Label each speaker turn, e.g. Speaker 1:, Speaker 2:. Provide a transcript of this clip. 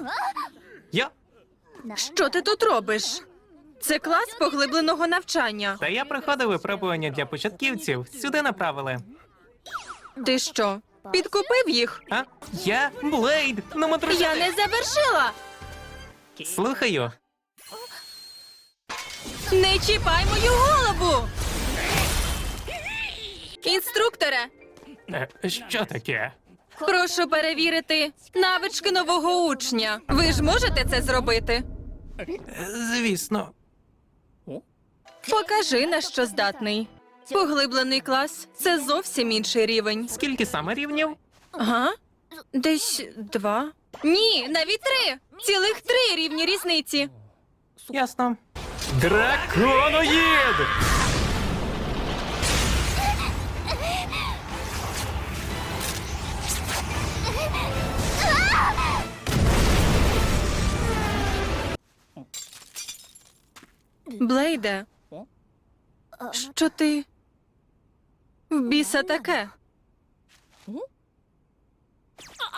Speaker 1: Я?
Speaker 2: Що ти тут робиш? Це клас поглибленого навчання.
Speaker 1: Та я проходив випробування для початківців. Сюди направили.
Speaker 2: Ти що, підкупив їх?
Speaker 1: А? Я? Блейд! Ну, матрусяти!
Speaker 2: Я не завершила!
Speaker 1: Слухаю.
Speaker 2: Не чіпай мою голову! Інструкторе,
Speaker 1: Що таке?
Speaker 2: прошу перевірити навички нового учня. Ви ж можете це зробити?
Speaker 1: Звісно.
Speaker 2: Покажи, на що здатний. Поглиблений клас – це зовсім інший рівень.
Speaker 1: Скільки саме рівнів?
Speaker 2: Ага? Десь 2? Ні, навіть 3! Цілих 3 рівні різниці.
Speaker 1: Ясно. Драконоїд!
Speaker 2: Блейде, що ти в біса таке?